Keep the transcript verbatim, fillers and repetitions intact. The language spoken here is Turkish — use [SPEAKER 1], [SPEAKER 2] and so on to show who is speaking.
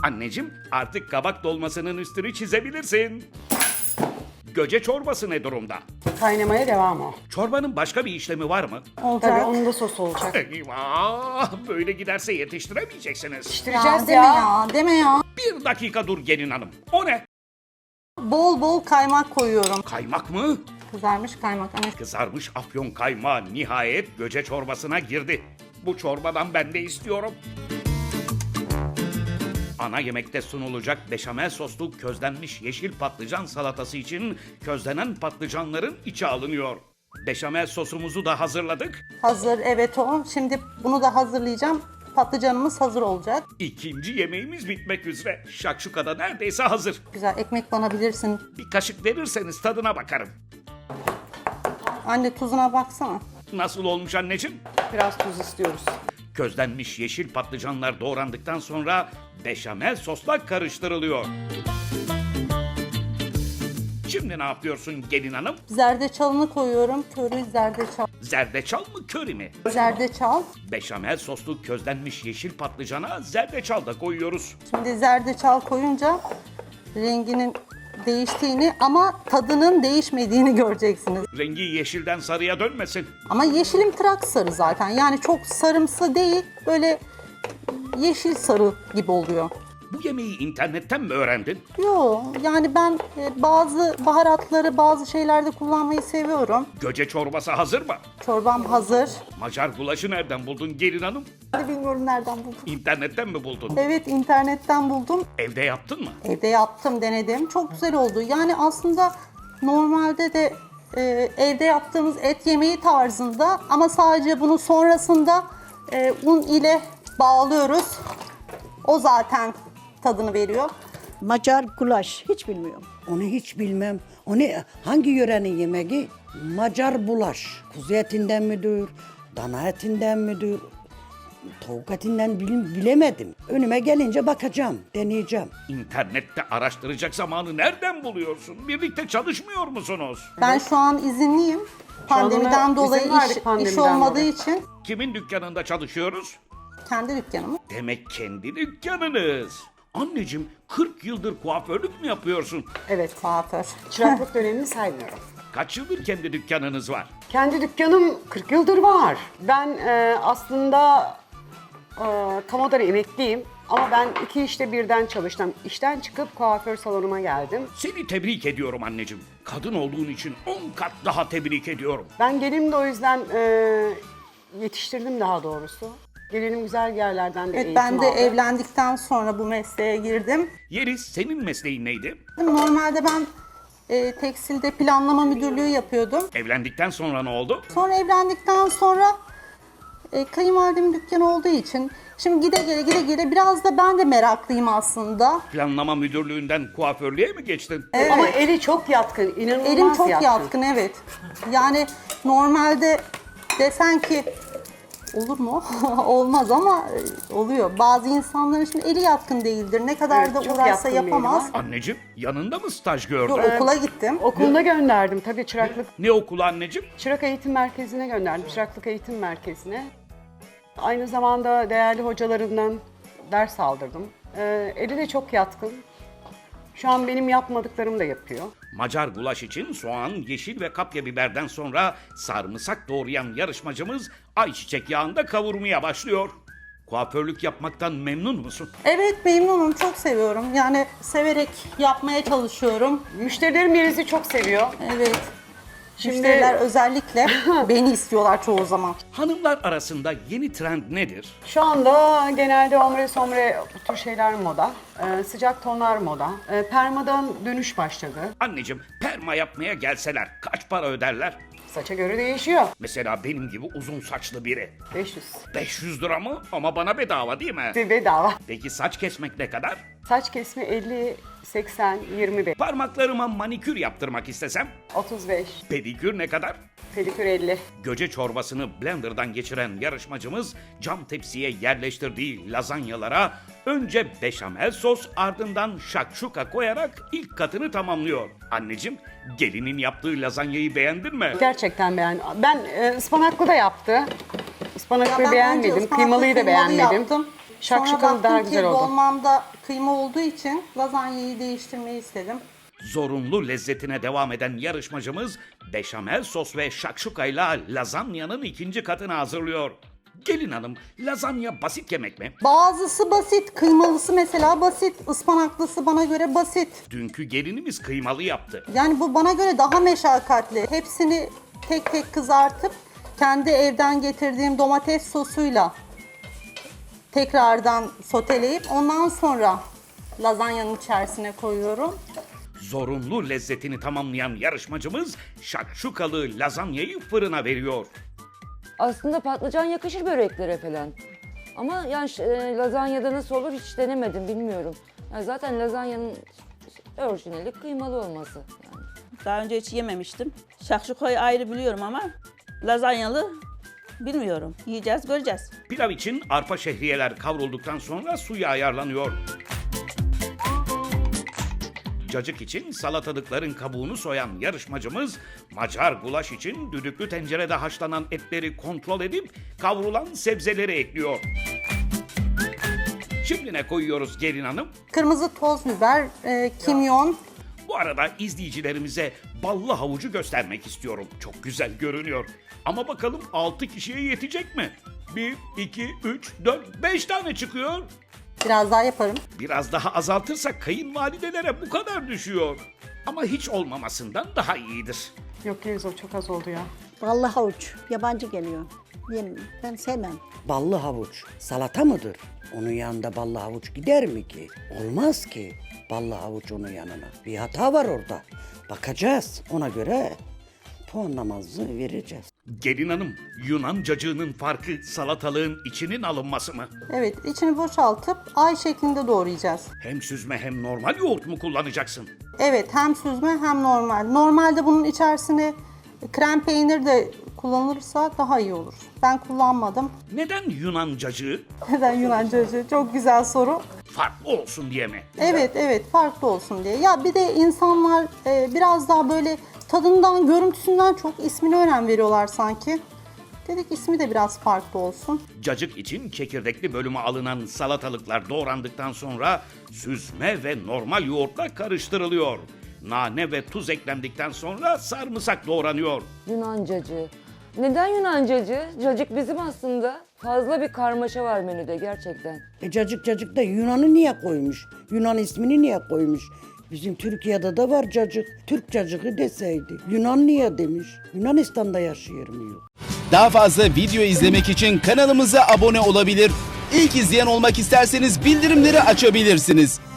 [SPEAKER 1] Anneciğim, artık kabak dolmasının üstünü çizebilirsin. Göce çorbası ne durumda?
[SPEAKER 2] Kaynamaya devam o.
[SPEAKER 1] Çorbanın başka bir işlemi var mı?
[SPEAKER 3] Olacak.
[SPEAKER 2] Tabii onun da sosu olacak.
[SPEAKER 1] Eyvah! Böyle giderse yetiştiremeyeceksiniz.
[SPEAKER 2] Pişireceğiz
[SPEAKER 3] deme
[SPEAKER 2] ya.
[SPEAKER 3] ya, deme ya.
[SPEAKER 1] Bir dakika dur gelin hanım. O ne?
[SPEAKER 3] Bol bol kaymak koyuyorum.
[SPEAKER 1] Kaymak mı?
[SPEAKER 3] Kızarmış kaymak. Hani
[SPEAKER 1] Kızarmış afyon kaymağı nihayet göce çorbasına girdi. Bu çorbadan ben de istiyorum. Ana yemekte sunulacak beşamel soslu közlenmiş yeşil patlıcan salatası için közlenen patlıcanların içi alınıyor. Beşamel sosumuzu da hazırladık.
[SPEAKER 3] hazır, evet o. Şimdi bunu da hazırlayacağım. Patlıcanımız hazır olacak.
[SPEAKER 1] İkinci yemeğimiz bitmek üzere. Şakşuka da neredeyse hazır.
[SPEAKER 3] Güzel ekmek banabilirsin.
[SPEAKER 1] Bir kaşık verirseniz tadına bakarım.
[SPEAKER 3] Anne tuzuna baksana.
[SPEAKER 1] Nasıl olmuş anneciğim?
[SPEAKER 2] Biraz tuz istiyoruz.
[SPEAKER 1] Közlenmiş yeşil patlıcanlar doğrandıktan sonra beşamel sosla karıştırılıyor. Şimdi ne yapıyorsun gelin hanım?
[SPEAKER 3] Zerdeçalını koyuyorum. Körü zerdeçal.
[SPEAKER 1] Zerdeçal mı köri mi?
[SPEAKER 3] Zerdeçal.
[SPEAKER 1] Beşamel soslu közlenmiş yeşil patlıcana zerdeçal da koyuyoruz.
[SPEAKER 3] Şimdi zerdeçal koyunca renginin değiştiğini ama tadının değişmediğini göreceksiniz.
[SPEAKER 1] Rengi yeşilden sarıya dönmesin.
[SPEAKER 3] Ama yeşilim trak sarı zaten. Yani çok sarımsı değil, böyle yeşil sarı gibi oluyor.
[SPEAKER 1] Bu yemeği internetten mi öğrendin?
[SPEAKER 3] Yo, yani ben e, bazı baharatları bazı şeylerde kullanmayı seviyorum.
[SPEAKER 1] Göce çorbası hazır mı?
[SPEAKER 3] Çorbam hazır.
[SPEAKER 1] Macar gulaşı nereden buldun gelin hanım?
[SPEAKER 3] Ben de bilmiyorum nereden buldum.
[SPEAKER 1] İnternetten mi buldun?
[SPEAKER 3] Evet, internetten buldum.
[SPEAKER 1] Evde yaptın mı?
[SPEAKER 3] Evde yaptım, denedim. Çok güzel oldu. Yani aslında normalde de e, evde yaptığımız et yemeği tarzında ama sadece bunu sonrasında e, un ile bağlıyoruz. O zaten tadını veriyor.
[SPEAKER 4] Macar gulaş hiç bilmiyorum.
[SPEAKER 5] Onu hiç bilmem. O ne? Hangi yörenin yemeği? Macar bulaş. Kuzu etinden midir? Dana etinden midir? Tavuk etinden bil- bilemedim. Önüme gelince bakacağım, deneyeceğim.
[SPEAKER 1] İnternette araştıracak zamanı nereden buluyorsun? Birlikte çalışmıyor musunuz?
[SPEAKER 3] Ben şu an izinliyim. Pandemiden
[SPEAKER 2] ona
[SPEAKER 3] dolayı
[SPEAKER 2] izin verdik,
[SPEAKER 3] iş, iş
[SPEAKER 2] pandemiden
[SPEAKER 3] olmadığı
[SPEAKER 2] dolayı.
[SPEAKER 3] için
[SPEAKER 1] Kimin dükkanında çalışıyoruz?
[SPEAKER 3] kendi dükkanımı.
[SPEAKER 1] Demek kendi dükkanınız. Anneciğim kırk yıldır kuaförlük mü yapıyorsun?
[SPEAKER 2] Evet.
[SPEAKER 3] Kuaför.
[SPEAKER 2] Çıraklık dönemini saymıyorum.
[SPEAKER 1] Kaç yıldır kendi dükkanınız var?
[SPEAKER 2] Kendi dükkanım kırk yıldır var. Ben e, aslında e, kamudan emekliyim. Ama ben iki işte birden çalıştım. İşten çıkıp kuaför salonuma geldim.
[SPEAKER 1] Seni tebrik ediyorum anneciğim. Kadın olduğun için on kat daha tebrik ediyorum.
[SPEAKER 2] Ben gelinimi de o yüzden e, yetiştirdim daha doğrusu. Gelinim güzel yerlerden de
[SPEAKER 3] Evet,
[SPEAKER 2] eğitim
[SPEAKER 3] ben de
[SPEAKER 2] aldı.
[SPEAKER 3] evlendikten sonra bu mesleğe girdim.
[SPEAKER 1] Yeliz senin mesleğin neydi?
[SPEAKER 3] Normalde ben e, tekstilde planlama müdürlüğü yapıyordum.
[SPEAKER 1] Evlendikten sonra ne oldu?
[SPEAKER 3] Sonra evlendikten sonra e, kayınvalidemin dükkanı olduğu için şimdi gide gele gide gele biraz da ben de meraklıyım aslında.
[SPEAKER 1] Planlama müdürlüğünden kuaförlüğe mi geçtin?
[SPEAKER 2] Ama eli çok yatkın, inanılmaz
[SPEAKER 3] Elim çok
[SPEAKER 2] yatkın.
[SPEAKER 3] yatkın, evet. Yani normalde desen ki olur mu? Olmaz ama e, oluyor. Bazı insanların şimdi eli yatkın değildir. Ne kadar
[SPEAKER 2] Evet,
[SPEAKER 3] da
[SPEAKER 2] çok
[SPEAKER 3] uğraşsa
[SPEAKER 2] yatkın bir eli
[SPEAKER 3] yapamaz.
[SPEAKER 2] var.
[SPEAKER 1] Anneciğim yanında mı staj gördün?
[SPEAKER 3] Yok, okula gittim.
[SPEAKER 2] Okuluna gönderdim tabii çıraklık.
[SPEAKER 1] Ne okulu anneciğim?
[SPEAKER 2] Çırak Eğitim Merkezi'ne gönderdim, Çıraklık Eğitim Merkezi'ne. Aynı zamanda değerli hocalarından ders aldırdım. Ee, eli de çok yatkın. Şu an benim yapmadıklarımı da yapıyor.
[SPEAKER 1] Macar gulaş için soğan, yeşil ve kapya biberden sonra sarımsak doğrayan yarışmacımız ayçiçek yağında kavurmaya başlıyor. Kuaförlük yapmaktan memnun musun?
[SPEAKER 3] Evet, memnunum. Çok seviyorum. Yani severek yapmaya çalışıyorum.
[SPEAKER 2] Müşterilerim Yeliz'i çok seviyor.
[SPEAKER 3] Evet.
[SPEAKER 2] Şimdi-
[SPEAKER 3] Müşteriler özellikle beni istiyorlar çoğu zaman.
[SPEAKER 1] Hanımlar arasında yeni trend nedir?
[SPEAKER 2] Şu anda genelde ombre sombre bu tür şeyler moda. Ee, sıcak tonlar moda. Ee, permadan dönüş başladı.
[SPEAKER 1] Anneciğim perma yapmaya gelseler kaç para öderler?
[SPEAKER 2] Saça göre değişiyor.
[SPEAKER 1] Mesela benim gibi uzun saçlı biri.
[SPEAKER 2] beş yüz.
[SPEAKER 1] beş yüz lira mı? Ama bana bedava değil mi?
[SPEAKER 2] Bedava.
[SPEAKER 1] Peki saç kesmek ne kadar?
[SPEAKER 2] Saç kesimi elli, seksen, yirmi beş,
[SPEAKER 1] Parmaklarıma manikür yaptırmak istesem?
[SPEAKER 2] otuz beş,
[SPEAKER 1] Pedikür ne kadar?
[SPEAKER 2] pedikür elli.
[SPEAKER 1] Göce çorbasını blenderdan geçiren yarışmacımız cam tepsiye yerleştirdiği lazanyalara önce beşamel sos ardından şakşuka koyarak ilk katını tamamlıyor. Anneciğim gelinin yaptığı lazanyayı beğendin mi?
[SPEAKER 2] Gerçekten beğendim. Ben e, ıspanaklı da yaptı.
[SPEAKER 3] Ya
[SPEAKER 2] Ispanaklı
[SPEAKER 3] ben önce
[SPEAKER 2] beğenmedim,
[SPEAKER 3] ıspanaklı
[SPEAKER 2] kıymalıyı da
[SPEAKER 3] kıymalı
[SPEAKER 2] beğenmedim.
[SPEAKER 3] yaptım. Sonra
[SPEAKER 2] Şakşukalı
[SPEAKER 3] baktım
[SPEAKER 2] daha
[SPEAKER 3] ki
[SPEAKER 2] güzel oldu.
[SPEAKER 3] dolmamda kıyma olduğu için lazanyayı değiştirmeyi istedim.
[SPEAKER 1] Zorunlu lezzetine devam eden yarışmacımız beşamel sos ve şakşukayla lazanyanın ikinci katını hazırlıyor. Gelin hanım, lazanya basit yemek mi?
[SPEAKER 3] Bazısı basit, kıymalısı mesela basit, ıspanaklısı bana göre basit.
[SPEAKER 1] Dünkü gelinimiz kıymalı yaptı.
[SPEAKER 3] Yani bu bana göre daha meşakkatli. Hepsini tek tek kızartıp kendi evden getirdiğim domates sosuyla tekrardan soteleyip ondan sonra lazanyanın içerisine koyuyorum.
[SPEAKER 1] Zorunlu lezzetini tamamlayan yarışmacımız şakşukalı lazanyayı fırına veriyor.
[SPEAKER 6] Aslında patlıcan yakışır böreklere falan. Ama yani ş- e, lazanyada nasıl olur hiç denemedim, bilmiyorum. Yani zaten lazanyanın orijinali kıymalı olması. Yani.
[SPEAKER 7] Daha önce hiç yememiştim. Şakşukayı ayrı biliyorum ama lazanyalı bilmiyorum. Yiyeceğiz, göreceğiz.
[SPEAKER 1] Pilav için arpa şehriyeler kavrulduktan sonra suya ayarlanıyor. Cacık için salatalıkların kabuğunu soyan yarışmacımız, Macar gulaş için düdüklü tencerede haşlanan etleri kontrol edip kavrulan sebzeleri ekliyor. Şimdi ne koyuyoruz gelin hanım?
[SPEAKER 3] Kırmızı toz biber, e, kimyon.
[SPEAKER 1] Bu arada izleyicilerimize ballı havucu göstermek istiyorum. Çok güzel görünüyor. Ama bakalım altı kişiye yetecek mi? bir, iki, üç, dört, beş tane çıkıyor.
[SPEAKER 3] Biraz daha yaparım.
[SPEAKER 1] Biraz daha azaltırsak kayınvalidelere bu kadar düşüyor. Ama hiç olmamasından daha iyidir.
[SPEAKER 2] Yok Yeliz, o çok az oldu ya.
[SPEAKER 4] Ballı havuç. Yabancı geliyor. Yem, ben sevmem.
[SPEAKER 5] Ballı havuç salata mıdır? Onun yanında ballı havuç gider mi ki? Olmaz ki ballı havuç onun yanına. Bir hata var orada. Bakacağız. Ona göre puanlamamızı vereceğiz.
[SPEAKER 1] Gelin hanım, Yunan cacığının farkı salatalığın içinin alınması mı?
[SPEAKER 3] Evet, içini boşaltıp ay şeklinde doğrayacağız.
[SPEAKER 1] Hem süzme hem normal yoğurt mu kullanacaksın?
[SPEAKER 3] Evet, hem süzme hem normal. Normalde bunun içerisine krem peynir de kullanılırsa daha iyi olur. Ben kullanmadım.
[SPEAKER 1] Neden Yunan cacığı?
[SPEAKER 3] Neden Yunancacı? Çok güzel soru.
[SPEAKER 1] Farklı olsun diye mi?
[SPEAKER 3] Evet, evet, farklı olsun diye. Ya bir de insanlar e, biraz daha böyle tadından, görüntüsünden çok ismine önem veriyorlar sanki. Dedik ismi de biraz farklı olsun.
[SPEAKER 1] Cacık için çekirdekli bölümü alınan salatalıklar doğrandıktan sonra süzme ve normal yoğurtla karıştırılıyor. Nane ve tuz eklendikten sonra sarımsak doğranıyor.
[SPEAKER 6] Yunancacı. Neden Yunancacı? Cacık bizim aslında. Fazla bir karmaşa var menüde gerçekten.
[SPEAKER 5] E cacık cacık da Yunan'ı niye koymuş? Yunan ismini niye koymuş? Bizim Türkiye'de de var cacık. Türk cacığı deseydi. Yunan niye demiş? Yunanistan'da yaşıyorum yok.
[SPEAKER 8] Daha fazla video izlemek için kanalımıza abone olabilir. İlk izleyen olmak isterseniz bildirimleri açabilirsiniz.